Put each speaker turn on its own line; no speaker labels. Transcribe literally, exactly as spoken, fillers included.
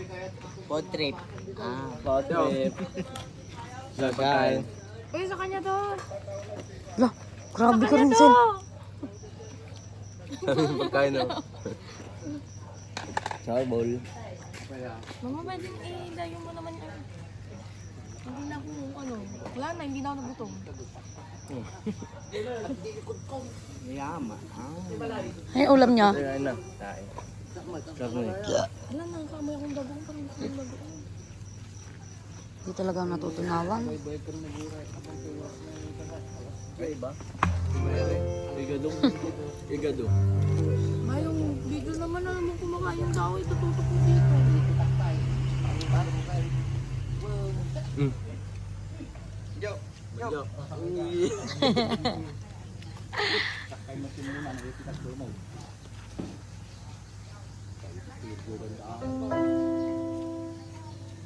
Food trip. Ah,
Food trip. Pagkain.
Uy, sa kanya to.
Lah, grabe
Sa
ka rin,
kanya
Sen.
to.
Pagkain no. Charbol.
Mama, pwedeng i-dayo mo naman yan. Hindi na ako, ano, wala na, hindi na ako nagutom.
Yama. Ah.
Ay, ulam niya.
Ay, na. Kain. Sarap na eh.
Wala na, kamay akong bagong, parang gusto yung bagong.
Hindi talaga natutunawan.
Ay ba? Igado. Igado.
Ay, yung bigil naman na naman kumakain yung tao, itututok ko dito.
Mm.
Yo.
Yo.
Yo.